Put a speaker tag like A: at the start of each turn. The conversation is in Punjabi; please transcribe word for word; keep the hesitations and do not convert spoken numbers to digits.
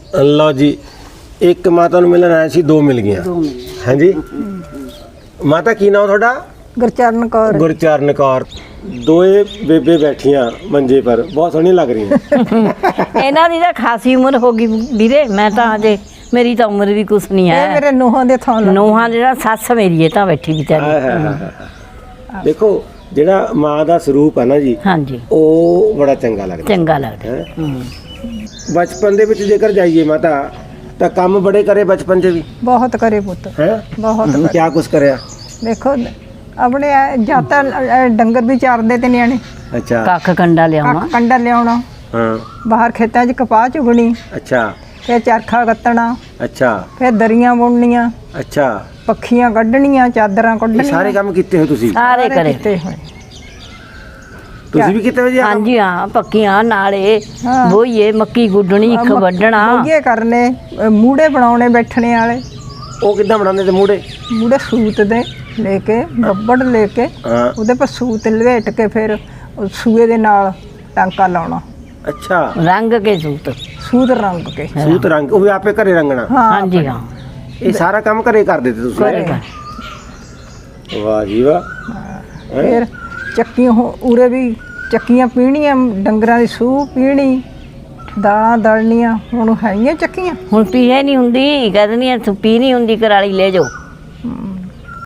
A: ਲਓ ਜੀ, ਇੱਕ ਮਾਤਾ ਨੂੰ ਮਿਲਣ ਆਇਆ ਸੀ, ਦੋ ਮਿਲ ਗਈਆਂ। ਹਾਂਜੀ ਮਾਤਾ, ਕੀ ਨਾਮ ਤੁਹਾਡਾ?
B: ਗੁਰਚਰਨ ਕੌਰ।
A: ਗੁਰਚਰਨ ਕੌਰ। ਦੋਏ ਬੇਬੇ ਬੈਠੀਆਂ ਮੰਜੇ ਪਰ, ਬਹੁਤ ਸੋਹਣੀ ਲੱਗ ਰਹੀਆਂ।
C: ਇਹਨਾਂ ਦੀ ਤਾਂ ਖਾਸੀ ਉਮਰ ਹੋ ਗਈ ਵੀਰੇ, ਮੈਂ ਤਾਂ ਅਜੇ ਮੇਰੀ ਤਾਂ ਉਮਰ ਵੀ ਕੁਛ ਨਹੀਂ
B: ਇਹ
C: ਹੈ।
B: ਮੇਰੇ ਨੂੰਹਾਂ ਦੇ ਥਾਂ ਲੱਗ
C: ਨੂੰਹਾਂ ਜਿਹੜਾ ਸੱਸ ਮੇਰੀ ਹੈ ਤਾਂ ਬੈਠੀ
A: ਹਾਏ
C: ਵਿਚਾਰੀ।
A: ਹਾਏ ਹਾਏ ਹਾਏ। ਦੇਖੋ ਜਿਹੜਾ ਮਾਂ ਦਾ ਸਰੂਪ ਹੈ ਨਾ ਜੀ,
C: ਹਾਂਜੀ,
A: ਉਹ ਬੜਾ ਚੰਗਾ ਲੱਗਦਾ।
C: ਚੰਗਾ ਲੱਗਦਾ।
A: ਹੈਂ?
C: ਹੂੰ।
A: ਬਚਪਨ ਦੇ ਵਿੱਚ ਜੇਕਰ ਜਾਈਏ ਮਾਤਾ, ਤਾਂ ਕੰਮ ਬੜੇ ਕਰੇ ਬਚਪਨ 'ਚ ਵੀ
B: ਬਹੁਤ ਕਰੇ ਪੁੱਤ,
A: ਹੈ।
B: ਬਹੁਤ ਕਰੇ।
A: ਕਿਆ ਕੁਛ ਕਰਿਆ?
B: ਦੇਖੋ ਆਪਣੇ ਜਾਤਾਂ ਡੰਗਰ ਵੀ ਚਾਰਦੇ ਤੇ ਨਿਆਣੇ,
A: ਅੱਛਾ।
C: ਕੱਖ ਕੰਡਾ ਲਿਆਉਣਾ।
B: ਕੱਖ ਕੰਡਾ ਲਿਆਉਣਾ,
A: ਹਾਂ।
B: ਬਾਹਰ ਖੇਤਾਂ 'ਚ ਕਪਾਹ ਚੁਗਣੀ,
A: ਅੱਛਾ
B: ਫਿਰ ਚਰਖਾ ਕੱਤਣਾ,
A: ਅੱਛਾ
B: ਫਿਰ ਦਰੀਆਂ ਬੁਣਨੀਆਂ,
A: ਅੱਛਾ।
B: ਪੱਖੀਆਂ ਕੱਢਣੀਆਂ, ਚਾਦਰਾਂ
A: ਇਹ
B: ਕੱਢਣੀਆਂ,
A: ਸਾਰੇ ਕੰਮ ਕੀਤੇ ਹੋ ਤੁਸੀਂ?
C: ਸਾਰੇ ਕਰੇ।
B: ਕੀਤੇ ਹੋਏ।
A: ਤੁਸੀਂ ਵੀ ਕੀਤੇ ਹੋ ਜੀ ਆਹ ਕੰਮ?
C: ਹਾਂਜੀ ਹਾਂ, ਪੱਕੀਆਂ ਨਾਲੇ
B: ਹਾਂ।
C: ਬੋਈਏ, ਮੱਕੀ ਗੁੱਡਣੀ, ਇੱਕ ਵੱਢਣਾ।
B: ਮੋਗੇ ਕਰਨੇ, ਅ, ਮੂੜੇ ਬਣਾਉਣੇ ਬੈਠਣੇ ਵਾਲੇ,
A: ਉਹ ਕਿੱਦਾਂ ਬਣਾਉਂਦੇ ਤੇ ਮੂੜੇ?
B: ਮੂੜੇ ਸੂਤ ਦੇ ਲੈ ਕੇ, ਬੱਬੜ ਲੈ ਕੇ,
A: ਹਾਂ।
B: ਉਹਦੇ ਪਰ ਸੂਤ ਲਵੇਟ ਕੇ ਫਿਰ ਉਹ ਸੂਏ ਦੇ ਨਾਲ ਟਾਂਕਾ ਲਾਉਣਾ,
A: ਅੱਛਾ।
C: ਰੰਗ ਕੇ ਸੂਤ।
B: ਸੂਤ ਰੰਗ ਕੇ।
A: ਸੂਤ ਰੰਗ ਉਹ ਵੀ ਆਪੇ ਘਰੇ ਰੰਗਣਾ?
B: ਹਾਂ
C: ਹਾਂਜੀ ਹਾਂ,
A: ਇਹ ਸਾਰਾ ਕੰਮ ਘਰੇ ਕਰਦੇ ਤੇ ਤੁਸੀਂ?
C: ਘਰੇ ਕਰ।
A: ਵਾਹ ਜੀ ਵਾਹ। ਹੈਂ?
B: ਫਿਰ ਚੱਕੀਆਂ ਹੋ- ਉਰੇ ਵੀ ਚੱਕੀਆਂ ਪੀਣੀਆਂ, ਡੰਗਰਾਂ ਦੀ ਸੂਹ ਪੀਣੀ, ਦਾਲਾਂ ਦਲਣੀਆਂ। ਹੁਣ ਹੈਗੀਆਂ ਚੱਕੀਆਂ?
C: ਹੁਣ ਪੀਏ ਨਹੀਂ ਹੁੰਦੀ, ਕਹਿੰਦੀ ਤੂੰ ਪੀ ਨਹੀਂ ਹੁੰਦੀ, ਕਰਾਲੀ ਲੈ ਜਾਓ।